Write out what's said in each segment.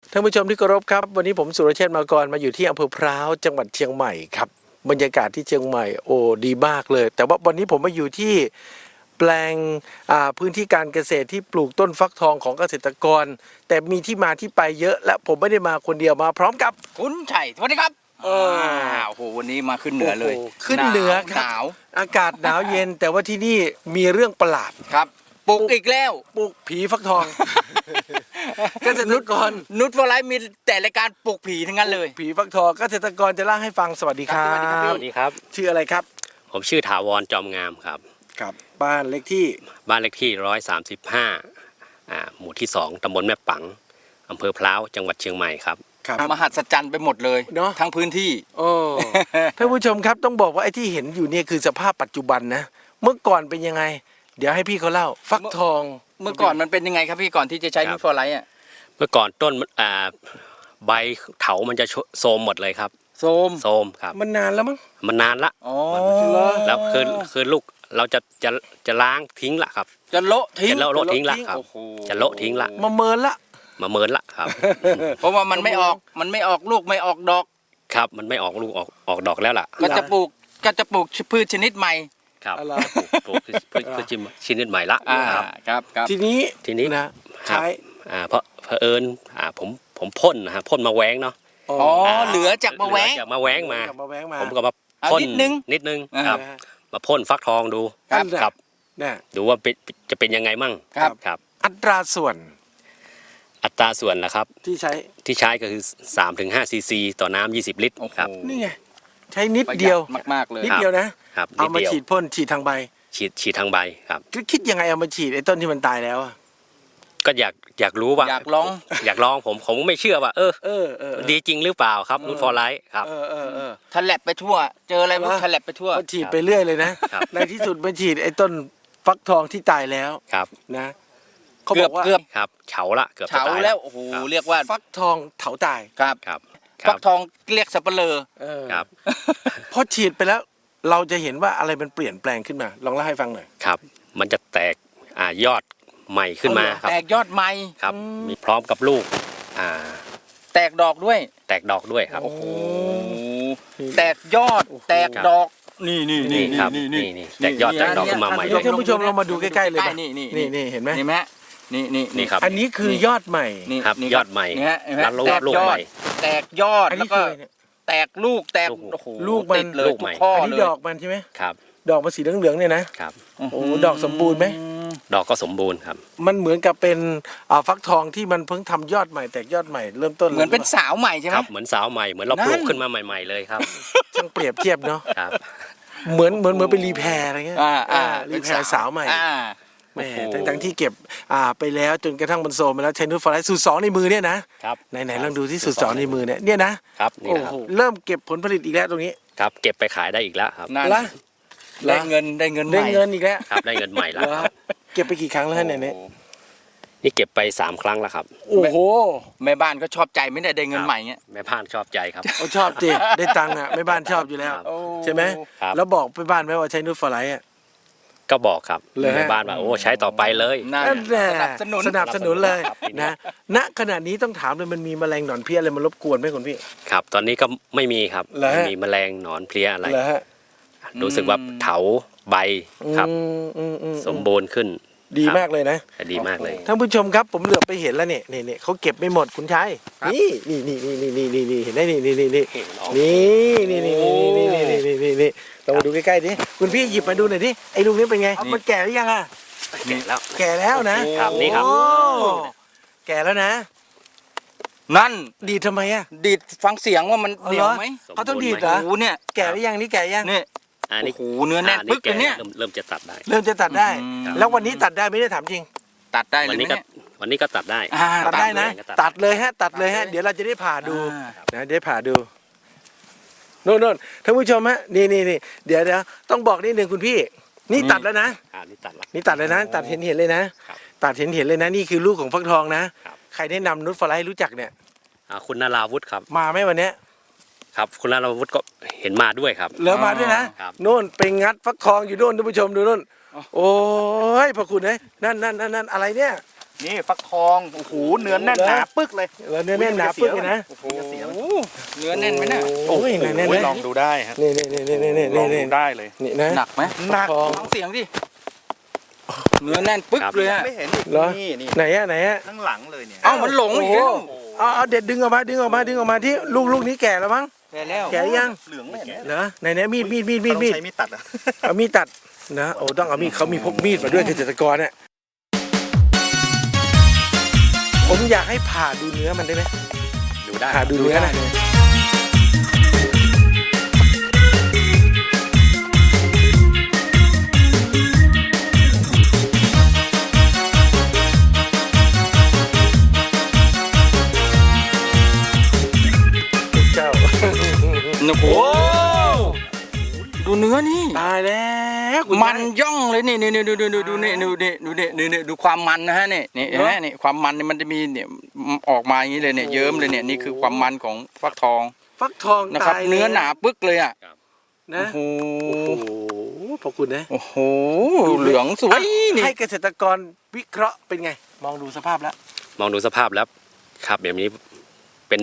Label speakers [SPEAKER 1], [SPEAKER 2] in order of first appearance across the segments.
[SPEAKER 1] ท่านผู้ชมที่เคารพครับวันนี้ผมสุรเชษฐ์มากรมาอยู่ที่อำเภอพร้าวจังหวัดเชียงใหม่ครับบรรยากาศที่เชียงใหม่โอ้ดีมากเลยแต่ว่าวันนี้ผมมาอยู่ที่แปลงพื้นที่การเกษตรที่ปลูกต้นฟักทองของเกษตรกรแต่มีที่มาที่ไปเยอะและผมไม่ได้มาคนเดียวมาพร้อมกับ
[SPEAKER 2] คุณชัยสวัสดีครับโอ้โหวันนี้มาขึ้นเหนือเลย
[SPEAKER 1] ขึ้นเหนือครับ
[SPEAKER 2] หนาว
[SPEAKER 1] อากาศหนาวเย็นแต่ว่าที่นี่มีเรื่องประหลาด
[SPEAKER 2] ครับปลูกอีกแล้ว
[SPEAKER 1] ปลูกผีฟักทองเกษตรกร
[SPEAKER 2] นุชฟอร์ไลท์มีแต่รายการปลูกผีทั้งนั้นเลย
[SPEAKER 1] ผีฟักทองเกษตรกรจะเล่าให้ฟังสวัสดีครับ
[SPEAKER 3] สวัสดีครับ
[SPEAKER 1] ชื่ออะไรครับ
[SPEAKER 3] ผมชื่อถาวรจอมงามครับ
[SPEAKER 1] ครับบ้านเลขที่
[SPEAKER 3] 135หมู่ที่2ตำบลแม่ปังอำเภอพร้าวจังหวัดเชียงใหม่ครับ
[SPEAKER 2] มหัศจรรย์ไปหมดเลยเนาะทั้งพื้นที่
[SPEAKER 1] โอ้ท่านผู้ชมครับต้องบอกว่าไอ้ที่เห็นอยู่เนี่ยคือสภาพปัจจุบันนะเมื่อก่อนเป็นยังไงเดี๋ยวให้พี่เขาเล่าฟักทอง
[SPEAKER 2] เมื่อก่อนมันเป็นยังไงครับพี่ก่อนที่จะใช้นุชฟอร์ไลท์อ่ะ
[SPEAKER 3] เมื่อก่อนต้นใบเถามันจะโทรมหมดเลยครับ
[SPEAKER 2] โทร
[SPEAKER 3] มครับ
[SPEAKER 1] มันนานแล้วมั้ง
[SPEAKER 3] มันนานละ
[SPEAKER 2] อ๋อ
[SPEAKER 3] แล้วคือลูกเราจะล้างทิ้งละครับ
[SPEAKER 2] จะโละทิ้ง
[SPEAKER 3] ทิ้งละครับจะโละทิ้งละ
[SPEAKER 1] มาเมินละ
[SPEAKER 3] ครับ
[SPEAKER 2] เพราะว่ามันไม่ออกลูกไม่ออกดอก
[SPEAKER 3] ครับมันไม่ออกลูกออกดอกแล้วล่ะ
[SPEAKER 2] ก็จะปลูกพืชชนิดใหม่
[SPEAKER 3] ครับปลูกพืชชนิดใหม่ละ
[SPEAKER 2] ครับ
[SPEAKER 1] ทีนี้นะใช้
[SPEAKER 3] เพราะเอิญผมพ่นนะฮะพ่นมาแว้งเนาะ
[SPEAKER 2] อ๋อเหลือจากมาแว้ง
[SPEAKER 3] ผมก็มาพ่นนิดนึงครับมาพ่นฟักทองดูครับดูว่าจะเป็นยังไงมั่ง
[SPEAKER 1] ครับอัตราส่วน
[SPEAKER 3] นะครับ
[SPEAKER 1] ที่ใ
[SPEAKER 3] ช้ก็คือ 3-5 ซีซีต่อน้ำ20 ลิตรครับ
[SPEAKER 1] นี่ไงใช้นิดเดียว
[SPEAKER 2] มากๆเลย
[SPEAKER 1] นิดเดียวนะครับเอามาฉีดพ่นฉีดทางใบ
[SPEAKER 3] ฉีดทางใบครับ
[SPEAKER 1] คิดยังไงเอามาฉีดไอ้ต้นที่มันตายแล้ว
[SPEAKER 3] ก็อยากรู้ว่าอยากลองผมไม่เชื่อว่าดีจริงหรือเปล่าครับนุชฟอร์ไลท์ครับ
[SPEAKER 2] ทะเลไปทั่วเจออะไรมันทะเลไปทั่ว
[SPEAKER 1] ฉีดไปเรื่อยเลยนะในที่สุดมันฉีดไอ้ต้นฟักทองที่ตายแล้ว
[SPEAKER 3] ครับ
[SPEAKER 1] นะ
[SPEAKER 2] เขาบอกว่า
[SPEAKER 3] ครับเฉา
[SPEAKER 2] แล้วโอ้โหเรียกว่า
[SPEAKER 1] ฟักทองเถาตาย
[SPEAKER 2] ครับฟักทองเรียกสับปะเลอ
[SPEAKER 3] ครับ
[SPEAKER 1] พอฉีดไปแล้วเราจะเห็นว่าอะไรมันเปลี่ยนแปลงขึ้นมาลองเล่าให้ฟังหน่อย
[SPEAKER 3] ครับมันจะแตกยอดใหม่ขึ้นมาครับ
[SPEAKER 2] แตกยอดใหม่
[SPEAKER 3] ครับมีพร้อมกับลูก
[SPEAKER 2] แตกดอกด้วย
[SPEAKER 3] ครับ
[SPEAKER 2] โอ้โหแตกยอดแตกดอกนี่
[SPEAKER 3] ครับนี่แตกยอดแตกดอกขึ้นมาใหม่
[SPEAKER 1] ท่านผู้ชมเรามาดูใกล้ๆเลยนี่เห็นไหม
[SPEAKER 3] นี่ครับ
[SPEAKER 1] อันนี้คือยอดใหม่
[SPEAKER 3] ครับยอดใหม่แล้วลูกใหม่
[SPEAKER 2] แตกยอดแล้วก็แตกลูก
[SPEAKER 1] ลูกมัน
[SPEAKER 2] เลย
[SPEAKER 1] อันนี้ดอกมันใช่ไหม
[SPEAKER 3] ครับ
[SPEAKER 1] ดอกมันสีเหลืองๆเนี่ยนะครับโอ้ดอกสมบูรณ์ไหม
[SPEAKER 3] ดอกก็สมบูรณ์ครับ
[SPEAKER 1] มันเหมือนกับเป็นฟักทองที่มันเพิ่งทำยอดใหม่แตกยอดใหม่เริ่มต้น
[SPEAKER 2] เหมือนเป็นสาวใหม่ใช่ไหม
[SPEAKER 3] ครับเหมือนสาวใหม่เหมือนเราปลูกขึ้นมาใหม่ๆเลยครับ
[SPEAKER 1] ช่างเปรียบเทียบเนาะ
[SPEAKER 3] ครับ
[SPEAKER 1] เหมือนเป็นรีแพร์อะไรเงี้ยรีแพร์สาวใหม่แม่ทั้งที่เก็บไปแล้วจนกระทั่งมันโซมไปแล้วใช้นูตฟอร์ไลท์สูตร2ในมือเนี่ยนะครับไหนลองดูที่สูตร2ในมือเนี่ย
[SPEAKER 3] นะครับนี่ครับ
[SPEAKER 1] เริ่มเก็บผลผลิตอีกแล้วตรงนี้
[SPEAKER 3] ครับเก็บไปขายได้อีกแล้วครับ
[SPEAKER 2] ได้เงิน
[SPEAKER 1] อีกแล้ว
[SPEAKER 3] ครับได้เงินใหม่แล้ว
[SPEAKER 1] เก็บไปกี่ครั้งแล้วเนี่ย
[SPEAKER 3] นี่เก็บไป3 ครั้งแล้วครับ
[SPEAKER 1] โอ้โห
[SPEAKER 2] แม่บ้านก็ชอบใจไม่ได้เงินใหม่เงี้ย
[SPEAKER 3] แม่บ้านชอบใจครับ
[SPEAKER 1] ชอบจริงได้ตังค์แม่บ้านชอบอยู่แล้วใช่ไหมแล้วบอกไปบ้านไหมว่าใช้นูตฟอร์ไลท์
[SPEAKER 3] ก็บอกครับแม่บ้านว่าโอ้ใช้ต่อไปเลย
[SPEAKER 1] นั่นแหละสนับสนุนเลยนะณขณะนี้ต้องถามเลยมันมีแมลงหนอนเพลี้ยอะไรมารบกวนไหมคุณพี่
[SPEAKER 3] ครับตอนนี้ก็ไม่มีครับไม่มีแมลงหนอนเพลี้ยอะไรรู้สึกว่าเถาใบครับสมบูรณ์ขึ้น
[SPEAKER 1] ดีมากเลยนะ
[SPEAKER 3] ดีมากเลย
[SPEAKER 1] ท่านผู้ชมครับผมเหลือบไปเห็นแล้วเนี่ยเขาเก็บไม่หมดคุณชายนี่เห็นไหมนี่เรามาดูใกล้ๆดิคุณพี่หยิบมาดูหน่อยดิไอ้ลูกนี้เป็นไงมันแก่หรือยังอ่ะแก่แล้วนะครับ
[SPEAKER 3] นี่ครับ
[SPEAKER 1] แก่แล้วนะ
[SPEAKER 2] นั่น
[SPEAKER 1] ดีดทำไมอ่ะ
[SPEAKER 2] ดีดฟังเสียงว่ามันเหนียวไหม
[SPEAKER 1] เขาต้องดีดเหรอ
[SPEAKER 2] เนี่ย
[SPEAKER 1] แก่หรือยังนี่แก่ยัง
[SPEAKER 2] นี่โอ้โหเนื้อแน่นปึ๊กเลยเนี่ย
[SPEAKER 3] เริ่มจะตัดได้
[SPEAKER 1] แล้ววันนี้ตัดได้ไม่ได้ถามจริง
[SPEAKER 2] ตัดได้เลย
[SPEAKER 3] วันนี้ก็ตัดได้
[SPEAKER 1] นะตัดเลยฮะเดี๋ยวเราจะได้ผ่าดูนะได้ผ่าดูโน่นท่านผู้ชมฮะนี่เดี๋ยวต้องบอกนิดนึงคุณพี่นี่ตัดแล้วนะนี่ตัดเลยนะตัดเห็นเลยนะตัดเห็นเลยนะนี่คือลูกของฟักทองนะใครแนะนำนุชฟอร์ไลท์รู้จักเนี่ย
[SPEAKER 3] คุณนาราวุฒิครับ
[SPEAKER 1] มาไหมวันนี้
[SPEAKER 3] ครับคุณนาราวุฒิก็เห็นมาด้วยครับ
[SPEAKER 1] เหลือมาด้วยนะโน่นไปงัดฟักทองอยู่โน่นท่านผู้ชมดูโน่นโอ้ยพระคุณนั่นอะไรเนี่ย
[SPEAKER 2] นี่ฟักทองโอ้โหเนื้อแน่นหนาปึ๊กเลย
[SPEAKER 1] แล้วเนื้อแน่นหนาปึ๊กเลยนะ
[SPEAKER 2] โอ้โหเนื้อแน่นไหมเนี่ย
[SPEAKER 1] โอ้ยแน่นแน่น
[SPEAKER 2] ลองดูได้ฮะ
[SPEAKER 1] นี่
[SPEAKER 2] ลอง
[SPEAKER 1] นี่
[SPEAKER 2] ดูได้เลย
[SPEAKER 1] นี่นะ
[SPEAKER 2] หนักไหมหนัก
[SPEAKER 1] ทอง
[SPEAKER 2] ฟังเสียงดิเนื้อแน่นปึ๊กเลยฮะ
[SPEAKER 4] ไม่เห็นอีก
[SPEAKER 1] เหรอ
[SPEAKER 4] นี่
[SPEAKER 1] ไหนอะ
[SPEAKER 4] ข้างหลังเลยเนี่ย
[SPEAKER 2] เอ้ามันหลงอีกแล้ว
[SPEAKER 1] เอาเด็ดดึงออกมาที่ลูกนี้แก่แล้วมั้ง
[SPEAKER 2] แก่แล้ว
[SPEAKER 1] แก่ยัง
[SPEAKER 4] เหลืองไม่เห็น
[SPEAKER 1] เหรอไหนมีด
[SPEAKER 4] ต้องใช้มีดตัดอะ
[SPEAKER 1] เอามีดตัดนะโอ้ต้องเอามีดเขามีพกมีดมาด้วยเกษตรกรเนี่ยผมอยากให้ผ่าดูเนื้อมันได้ไหม
[SPEAKER 3] ดูได้
[SPEAKER 1] ผ่าดูเนื้อนะเจ้า
[SPEAKER 2] โอ้โหดูเนื้อนี่
[SPEAKER 1] ตายแล้วคุณ
[SPEAKER 2] มันย่องเลยนี่ดูความมันนะฮะนี่เห็นไหมนี่ความมันเนี่ยมันจะมีเนี่ยออกมาอย่างนี้เลยเนี่ยเยิ้มเลยเนี่ยนี่คือความมันของฟักทอง
[SPEAKER 1] ฟักทอง
[SPEAKER 2] นะครับ
[SPEAKER 1] ตาย
[SPEAKER 2] เนื้อหนาปึ๊กเลยอ่ะ
[SPEAKER 1] นะ
[SPEAKER 2] โอ้โห
[SPEAKER 1] โอ้โหขอบคุณนะ
[SPEAKER 2] โอ้โหเหลืองสวยนี่
[SPEAKER 1] ให้เกษตรกรวิเคราะห์เป็นไง มองดูสภาพแล้ว
[SPEAKER 3] มองดูสภาพแล้วครับแบบนี้เป็น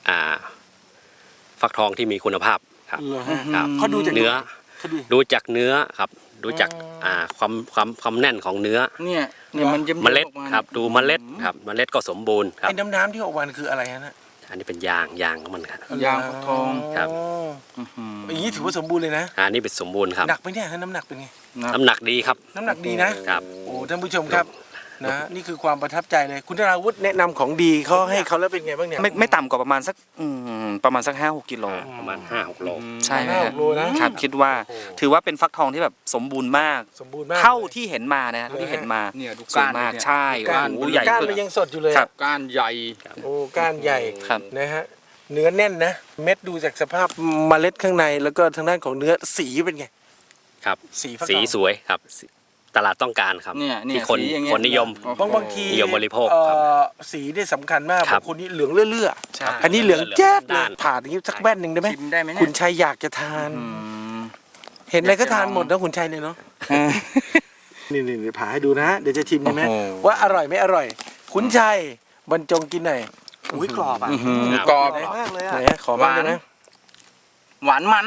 [SPEAKER 3] ฟักทองที่มีคุณภาพครับ
[SPEAKER 1] เหรอฮะ
[SPEAKER 3] ครับ
[SPEAKER 1] เขาดูจาก
[SPEAKER 3] เนื้อ
[SPEAKER 1] เขาดู
[SPEAKER 3] ดูจากเนื้อครับ ดูจากความแน่นของเนื้อ
[SPEAKER 2] เนี่ยมันจะ
[SPEAKER 3] เมล็ดครับดูเมล็ดครับเมล็ดก็สมบูรณ์ครับ
[SPEAKER 1] ไอ้น้ำที่ออกมาคืออะไรฮะน่ะ
[SPEAKER 3] อันนี้เป็นยางของมันครับ
[SPEAKER 2] ยางฟักทอง
[SPEAKER 3] ครับ
[SPEAKER 1] อย่างนี้ถือว่าสมบูรณ์เลยนะ
[SPEAKER 3] อันนี้เป็นสมบูรณ์ครับ
[SPEAKER 1] หนักไหมเนี่ยน้ำหนักเป็นไง
[SPEAKER 3] น้ำหนักดีครับ
[SPEAKER 1] น้ำหนักดีนะครับ โอ้ท่านผู้ชมครับนะนี่คือความประทับใจเลย คุณธราวุฒิแนะนำของดีเขาให้เขาแล้วเป็นไงบ้างเนี่ย
[SPEAKER 4] ไม่ต่ำกว่าประมาณสัก5-6 กิโล
[SPEAKER 3] ประมาณ 5-6 โล
[SPEAKER 4] ใช่ไหม
[SPEAKER 1] ห้าห
[SPEAKER 4] ฮะ
[SPEAKER 1] กโลนะครับ
[SPEAKER 4] คิดว่าถือว่าเป็นฟักทองที่แบบสมบูรณ์มาก
[SPEAKER 1] สมบูรณ์มาก
[SPEAKER 4] เท่าที่เห็นมานะเท่าที่เห็นมา
[SPEAKER 2] เนี่ยดู
[SPEAKER 4] สวย
[SPEAKER 2] ก้าน
[SPEAKER 4] มาก
[SPEAKER 2] เนี่ย
[SPEAKER 4] ใช่
[SPEAKER 1] ก้าน
[SPEAKER 4] โอ้โหใหญ่
[SPEAKER 1] ก้าน
[SPEAKER 4] ขึ้น
[SPEAKER 1] มันยังสดอยู่เลย
[SPEAKER 4] ครับ
[SPEAKER 2] ก้านใหญ่
[SPEAKER 1] โอ้ก้านใหญ่
[SPEAKER 4] ครับ
[SPEAKER 1] นะฮะเนื้อแน่นนะ เม็ดดูจากสภาพเมล็ดข้างในแล้วก็ทางด้านของเนื้อสีเป็นไง
[SPEAKER 3] ครับ
[SPEAKER 1] สีฟักทอง
[SPEAKER 3] สีสวยครับตลาดต้องการครับ
[SPEAKER 2] เนี่ย
[SPEAKER 3] ที่คน
[SPEAKER 2] สีอย่างเงี้ย
[SPEAKER 3] คนนิยม
[SPEAKER 1] บางที
[SPEAKER 3] นิยมบริโภคครับ
[SPEAKER 1] สีนี่สำคัญมาก
[SPEAKER 3] ครับ
[SPEAKER 1] บางคนนี่เหลืองเลื่อ
[SPEAKER 4] ใช่
[SPEAKER 1] ๆอันนี้เหลืองแจ๊ดเล
[SPEAKER 3] ด้าย น
[SPEAKER 1] ผ่าอย่างนี้สักแว่นหนึ่งได้ไหม
[SPEAKER 2] ชิมได้ไหม
[SPEAKER 1] คุ
[SPEAKER 2] เนี่
[SPEAKER 1] ณ
[SPEAKER 2] ย
[SPEAKER 1] ชัยอยากจะทาน เห็นอะไรก็ทานหมดนะคุณชัยเนี่ยเนาะนี่ผ่าให้ดูนะเดี๋ยวจะชิมใช่ไหม
[SPEAKER 2] โอ้โห
[SPEAKER 1] ว่าอร่อยไม่อร่อย คุณชัยบรรจงกินหน่อยอุ้ยกรอบอ่ะ
[SPEAKER 2] กรอบ
[SPEAKER 1] มากเลยอ่ะไหนขอบ้างได้ไหม
[SPEAKER 2] หวานมัน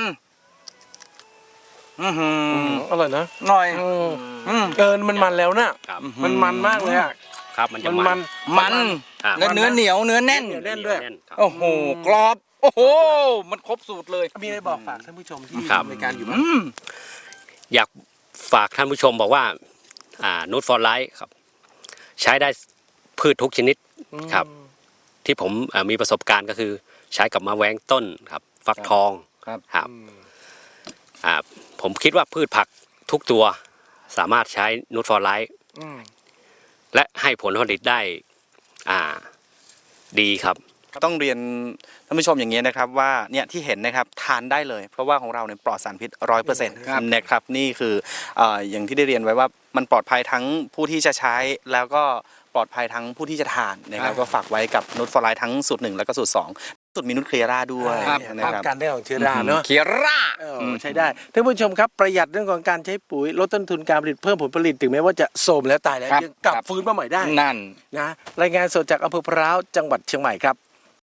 [SPEAKER 1] อร่อยนะ
[SPEAKER 2] หน่อย
[SPEAKER 1] มันมันแล้วน่ะ
[SPEAKER 3] ครับ
[SPEAKER 1] มันมันมากเลยอ่ะ
[SPEAKER 3] ครับมันจะ
[SPEAKER 1] มัน
[SPEAKER 2] มัน
[SPEAKER 3] ครับ
[SPEAKER 2] และเนื้อเหนียวเนื้อแน่น
[SPEAKER 1] แน่นด้วย
[SPEAKER 3] ครับ
[SPEAKER 2] โอ้โหกรอบโอ้โหมันครบสูตรเลย
[SPEAKER 1] มีอะไรบอกฝากท่านผู้ชมที่
[SPEAKER 3] ครับ
[SPEAKER 1] ทำรายการอยู่บ้าง
[SPEAKER 3] อยากฝากท่านผู้ชมบอกว่านูตฟอร์ไลท์ครับ ใช้ได้พืชทุกชนิดครับ ที่ผมมีประสบการณ์ก็คือใช้กับมะแว้งต้นครับ ฟักทอง
[SPEAKER 2] ครับ
[SPEAKER 3] ครับผมคิดว่าพืชผักทุกตัวสามารถใช้นูตฟอร์ไลท์และให้ผลผลิตได้ดีครับ
[SPEAKER 4] ต้องเรียนท่านผู้ชมอย่างนี้นะครับว่าเนี่ยที่เห็นนะครับทานได้เลย เพราะว่าของเราเนี่ยปลอดสารพิษ 100% นะครับนี่คืออย่างที่ได้เรียนไว้ว่ามันปลอดภัยทั้งผู้ที่จะใช้แล้วก็ปลอดภัยทั้งผู้ที่จะทานนะครับก็ฝากไว้กับนูตฟอร์ไลท์ทั้งสูตร1แล้วก็สูตร2สูตรมีนูตเคลียร่าด้วย
[SPEAKER 1] ครับ
[SPEAKER 4] นะ
[SPEAKER 1] ป้อง
[SPEAKER 4] ครับ
[SPEAKER 1] กันได้ของเชื้อราเนาะ
[SPEAKER 2] เคียร่า
[SPEAKER 1] ใช้ได้ท่านผู้ชมครับประหยัดเรื่องของการใช้ปุ๋ยลดต้นทุนการผลิตเพิ่มผลผลิตถึงแม้ว่าจะโทรมแล้วตายแล้ว
[SPEAKER 2] ครับ
[SPEAKER 1] ยังกลับ
[SPEAKER 2] ครับ
[SPEAKER 1] ฟื้นมาใหม่ได้
[SPEAKER 2] นั่น
[SPEAKER 1] นะรายงานสดจากอำเภอพร้าวจังหวัดเชียงใหม่ครับ